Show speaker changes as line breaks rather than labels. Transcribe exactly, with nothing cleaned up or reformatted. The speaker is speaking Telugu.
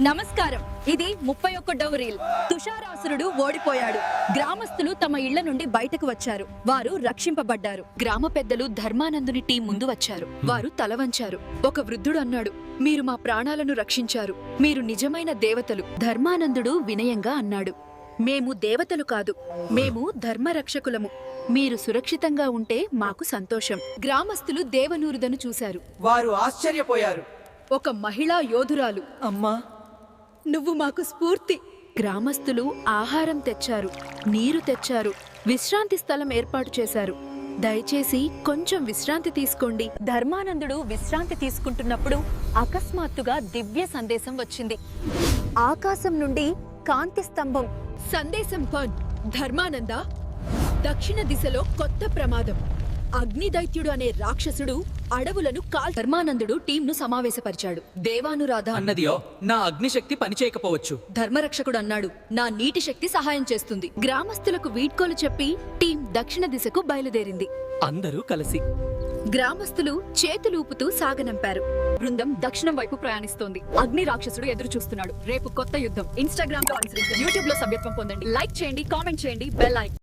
నమస్కారం. ఇది ముప్పై ఒక్కటవ రీల్. తుషారాసురుడు ఓడిపోయాడు. గ్రామస్తులు తమ ఇళ్ల నుండి బయటకు వచ్చారు. వారు రక్షింపబడ్డారు. గ్రామ పెద్దలు ధర్మానందుని టీం ముందు వచ్చారు. వారు తల వంచారు. ఒక వృద్ధుడు అన్నాడు, మీరు మా ప్రాణాలను రక్షించారు. మీరు నిజమైన దేవతలు. ధర్మానందుడు వినయంగా అన్నాడు, మేము దేవతలు కాదు, మేము ధర్మరక్షకులము. మీరు సురక్షితంగా ఉంటే మాకు సంతోషం. గ్రామస్తులు దేవనూరుదను చూశారు.
వారు ఆశ్చర్యపోయారు.
ఒక మహిళా యోధురాలు,
అమ్మా,
నువ్వు మాకు స్ఫూర్తి. గ్రామస్తులు ఆహారం తెచ్చారు, నీరు తెచ్చారు, విశ్రాంతి స్థలం ఏర్పాటు చేశారు. దయచేసి కొంచెం విశ్రాంతి తీసుకోండి. ధర్మానందుడు విశ్రాంతి తీసుకుంటున్నప్పుడు అకస్మాత్తుగా దివ్య సందేశం వచ్చింది. ఆకాశం నుండి కాంతి స్తంభం. సందేశం పన్ ధర్మానంద, దక్షిణ దిశలో కొత్త ప్రమాదం. అగ్నిదైత్యుడు అనే రాక్షసుడు అడవులను కాల్. ధర్మానందుడు టీంను సమావేశపరిచాడు. దేవానురాధ
అన్నదియో నా అగ్నిశక్తి పనిచేయకపోవచ్చు.
ధర్మరక్షకుడు అన్నాడు, నా నీటి శక్తి సహాయం చేస్తుంది. గ్రామస్తులకు వీడ్కోలు చెప్పి టీం దక్షిణ దిశకు బయలుదేరింది.
అందరూ కలిసి
గ్రామస్తులు చేతులూపుతూ సాగనంపారు. బృందం దక్షిణం వైపు ప్రయాణిస్తోంది. అగ్ని రాక్షసుడు ఎదురు చూస్తున్నాడు. రేపు కొత్త యుద్ధం. ఇన్స్టాగ్రామ్ లో అనుసరించండి, యూట్యూబ్ లో సభ్యత్వం పొందండి, లైక్ చేయండి, కామెంట్ చేయండి, బెల్ ఐకాన్